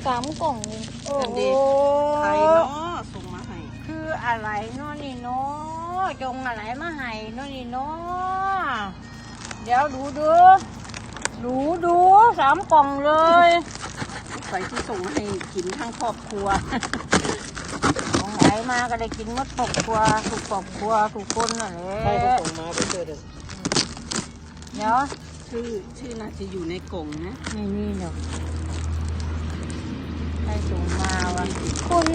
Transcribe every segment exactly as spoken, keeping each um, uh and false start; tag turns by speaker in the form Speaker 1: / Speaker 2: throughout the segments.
Speaker 1: สามกล่องเลยโอ้โห
Speaker 2: ใครเนาะส่งมาให้
Speaker 1: คืออะไรเนาะนี่เนาะจงอะไรมาให้เนาะนี่เนาะเดี๋ยวดูดูดูดูสามกล่องเลย
Speaker 2: ใครที่ส่งให้กินทั้งครอบครัว
Speaker 1: ของไหนมาก็ได้กินหมดครอบครัวถูกครอบครัวถูกคนน่ะเลย
Speaker 3: ใครก็ส่งมาไปเจอเด็ก
Speaker 1: เดี๋ยว
Speaker 2: ชื่อชื่อน่าจะอยู่ในกล่องนะ
Speaker 1: นี่นี่เนาะให้ส่งมาวะคุณ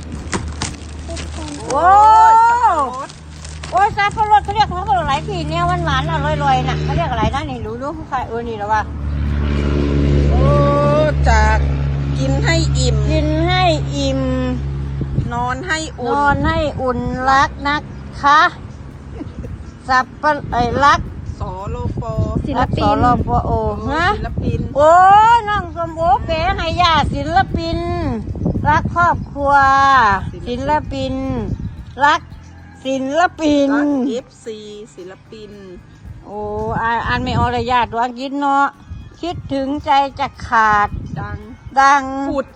Speaker 1: โอ้โอ้ยซาฟรสเขาเรียกเขาเรียกอะไรพี่เนี่ยหวานหวานอร่อยๆน่ะเขาเรียกอะไรนะนี่รู้รู้ใครเออนี่หรอวะ
Speaker 2: โอ้จากกินให้อิ่ม
Speaker 1: กินให้อิ่ม
Speaker 2: นอนให้อุ่น
Speaker 1: นอนให้อุ่นรักนะคะสับปะไอ้รัก
Speaker 2: สอโลโป
Speaker 1: ศิลปินสโลโปโอฮะ
Speaker 2: ศิลปิน
Speaker 1: โอ้น้องสมโอเป๋ให้ญาติศิลปินรักครอบครัวศิลปินรักศิลปิน
Speaker 2: รักเอฟซีศิลปิน
Speaker 1: โอ้อ่านอ่านไม่ออกเลยญาติดวงกินเนาะคิดถึงใจจะขาด
Speaker 2: ดัง
Speaker 1: ดัง
Speaker 2: ปุด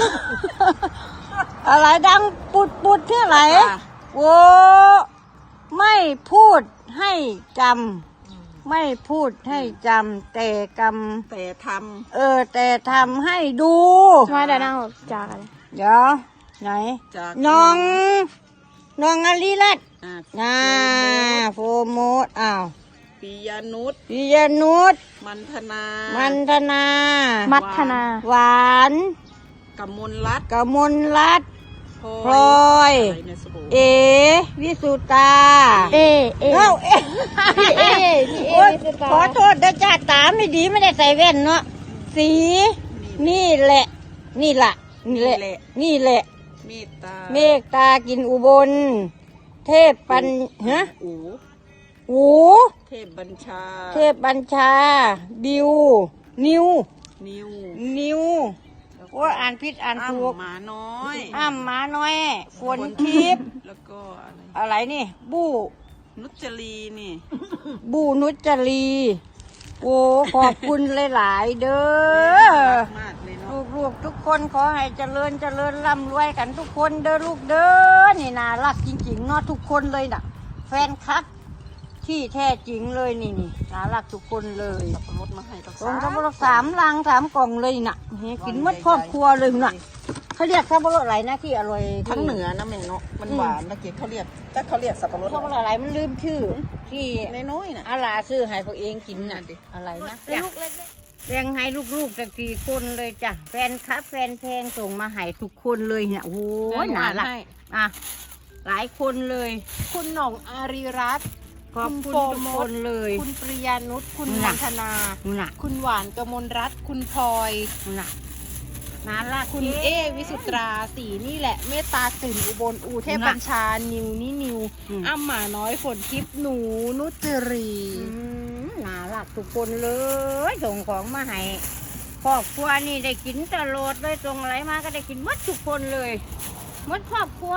Speaker 1: อะไรดังปุดปุดเท่าไหร่โอ้ไม่พูดให้จำไม่พูดให้จำแต่กำ
Speaker 2: แต่ท
Speaker 1: ำเออแต่ทำให้ดู
Speaker 4: มาแต่นั่งจากอะไร
Speaker 1: เดี๋ยวไหนน้องน้องอลิรัตน์น่าโฟโมดอ้าว
Speaker 2: ปิยานุช
Speaker 1: ปิยานุช
Speaker 2: มันธนา
Speaker 1: มันธนา
Speaker 4: มัทนา
Speaker 1: หวาน
Speaker 2: กมลรัตน์
Speaker 1: กมลรัตน์พลอยเอวิสุตา
Speaker 4: เอเอ
Speaker 1: เอ้าเอ
Speaker 4: พี่เอพี่เอวิสุตา
Speaker 1: ขอโทษนะจ้าตาไม่ดีไม่ได้ใส่แว่นเนาะสีนี่แหละนี่แหละนี่แหละนี่แหละ
Speaker 2: เมตตา
Speaker 1: เมตตากินอุบลเทพปัญฮะ
Speaker 2: อู
Speaker 1: อู
Speaker 2: เทพบัญชา
Speaker 1: เทพบัญชาบิวนิว
Speaker 2: นิว
Speaker 1: นิวว่าอ่านผิดอ่านถูก
Speaker 2: หมาน้อย
Speaker 1: อ้ำหมาน้อยฝนทิพย์
Speaker 2: แล้วก็อะไร
Speaker 1: อะไรนี่บู้
Speaker 2: นุจรีนี่
Speaker 1: บู้นุจรีโอ้ขอบคุณหลายๆเด้อลูกๆทุกคนขอให้เจริญเจริญร่ำรวยกันทุกคนเด้อลูกเด้อนี่น่ารักจริงๆเนาะทุกคนเลยน่ะแฟนคลับที่แท้จริงเลยนี่นี่น่ารักทุกคนเลย
Speaker 2: สับปะรดมาให้กับ
Speaker 1: สามสับปะรดสามลังสามกล่องเลยน่ะกินหมดครอบครัวเลยน่ะเขาเรียกสับปะรดอะไรนะที่อร่อย
Speaker 2: ทั้งเหนือนะแม่เนาะมันหวานนะเกศเขาเรียกแต่เขาเรียกสับปะรด
Speaker 1: สับปะรดอะไรมันลืมชื่อที่
Speaker 2: น้อยๆน่ะ
Speaker 1: อาลาซื้อให้พวกเองกินน่ะอะไรนะแบ่งให้ลูกๆจากสี่คนเลยจ้ะแฟนคลับแฟนเพลงส่งมาให้ทุกคนเลยเนี่ยโอ้โหน่ารักอ่ะหลายคนเลย
Speaker 4: คุณหน่องอารีรัตน์
Speaker 1: ขอบคุณทุกคนเลย
Speaker 4: คุณปริยานุชคุณนันทนาคุณหวานกมลรัตน์คุณพลอย
Speaker 1: น่ารัก
Speaker 4: คุณเอวิสุตราสีนี่แหละเมตตาสินอุบลอูเทพบัญชานิวนี่นิวอ้ำหมาน้อยฝนทิพย์หนูนุจรี
Speaker 1: น่ารักทุกคนเลยส่งของมาให้ครอบครัวนี่ได้กินตลอดเลยส่งอะไรมาก็ได้กินหมดทุกคนเลยหมดครอบครัว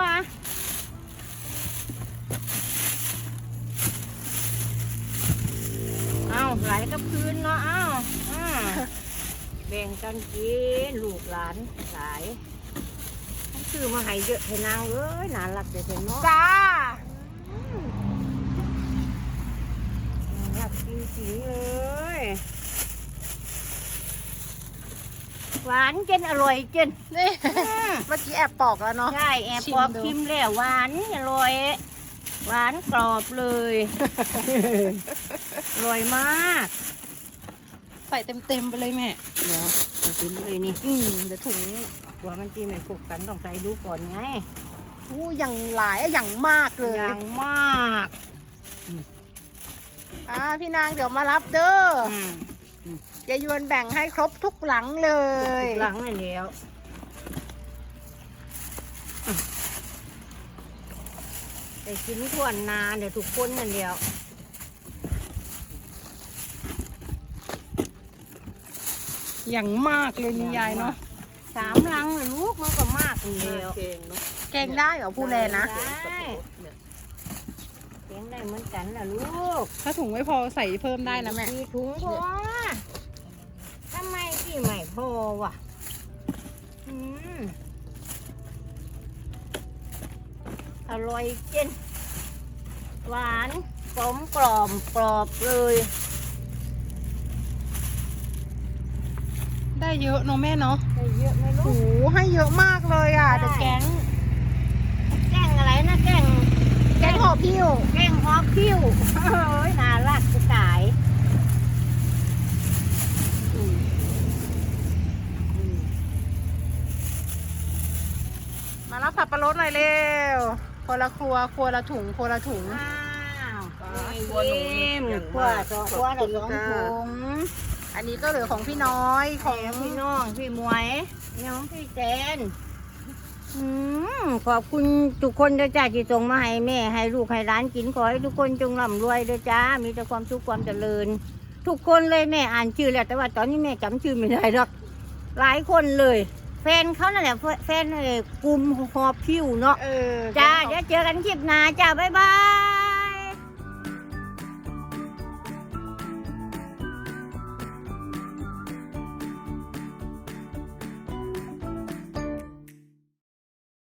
Speaker 1: เอาไหลกับพื้นเนาะเอาแบ่งกันกินลูกหลานหลายซื้อมาให้เยอะให้นางเอ้ยน่ารักแต่เนาะ
Speaker 4: จ้า
Speaker 1: น่ารักจริงๆเลยหวานเจนอร่อยเจน
Speaker 4: นี่เมื่อกี้แอบปอกแล้วเนาะ
Speaker 1: ใช่แอบปอกชิมแล้วหวานอร่อยหวานกรอบเลยอร่อยมาก
Speaker 4: ใส่เต็มๆไปเลยแม่
Speaker 1: เดี๋ยวใส่เต็มเลยนี่
Speaker 4: อืมเดี๋ยวถุง
Speaker 1: หัวมันจีไม่ผูกกันต้องใส่ดูก่อนไง
Speaker 4: อู้อย่างหลายอย่างมากเลย
Speaker 1: อย่างมาก
Speaker 4: อ่าพี่นางเดี๋ยวมารับเด้อเจยวนแบ่งให้ครบทุกหลังเลย
Speaker 1: ทุกหลังเลยเดียวแต่กินทั่วนานเดี๋ยวทุกคนนั่นเดียว
Speaker 4: อย่างมากเลยนี่ยายเนาะ
Speaker 1: สามลังเลยลูกมันก็มากเดียว
Speaker 4: เก่งได้เหรอผู้แลนะ
Speaker 1: เก่งได้เหมือนกันนะลูก
Speaker 4: ถ้าถุงไม่พอใส่เพิ่มได้นะแม่
Speaker 1: ถุงพอทำไมที่ไม่พอวะอืมอร่อยเจนหวานกลมกล่อมกรอบเลย
Speaker 4: ได้เยอะเนาะแม่เนาะ
Speaker 1: ได้เยอะไหมลู
Speaker 4: โอ้
Speaker 1: ก
Speaker 4: โหให้เยอะมากเลยอ่ะ
Speaker 1: ได้
Speaker 4: เดี๋ยวแกง
Speaker 1: แกงอะไรนะแกง
Speaker 4: แกงห่อพิ้ว
Speaker 1: แกงฮอกคิ้วเฮ้ยน่ารักจะตายอืมอืม
Speaker 4: มารับสับปะรดหน่อยเร็วคนละครัวครัวละถุงครัวละถุง
Speaker 1: อ้าว
Speaker 2: ครัวหนูนี่
Speaker 1: ยิ้ม
Speaker 2: อย่าง
Speaker 1: ครัว
Speaker 2: มาก
Speaker 1: สอง
Speaker 2: ข
Speaker 1: ค
Speaker 2: อบ
Speaker 1: รัว
Speaker 2: คุ
Speaker 1: ละ
Speaker 2: ณ
Speaker 1: สอง
Speaker 2: ค่ะ
Speaker 1: ถุง
Speaker 4: อันนี้ก็เหลือของพี่น้อยข
Speaker 1: ข
Speaker 4: อ
Speaker 1: อง งพี่น้องพี่หมวยน้องพี่แจนอืมขอบคุณทุกคนเด้อจ้าที่ส่งมาให้แม่ให้ลูกให้ร้านกินขอให้ทุกคนจงร่ำรวยเด้อจ้ามีแต่ความสุขความเจริญ ทุกคนเลยแม่อ่านชื่อแล้วแต่ว่าตอนนี้แม่จำชื่อไม่ได้หรอกหลายคนเลย แฟนเขานั่นแหละแฟนเอ่อกลุ่มหอบพิวเนาะ
Speaker 4: เออ
Speaker 1: จ้าเดี๋ยวเจอกันคลิปหน้าจ้าบ๊ายบาย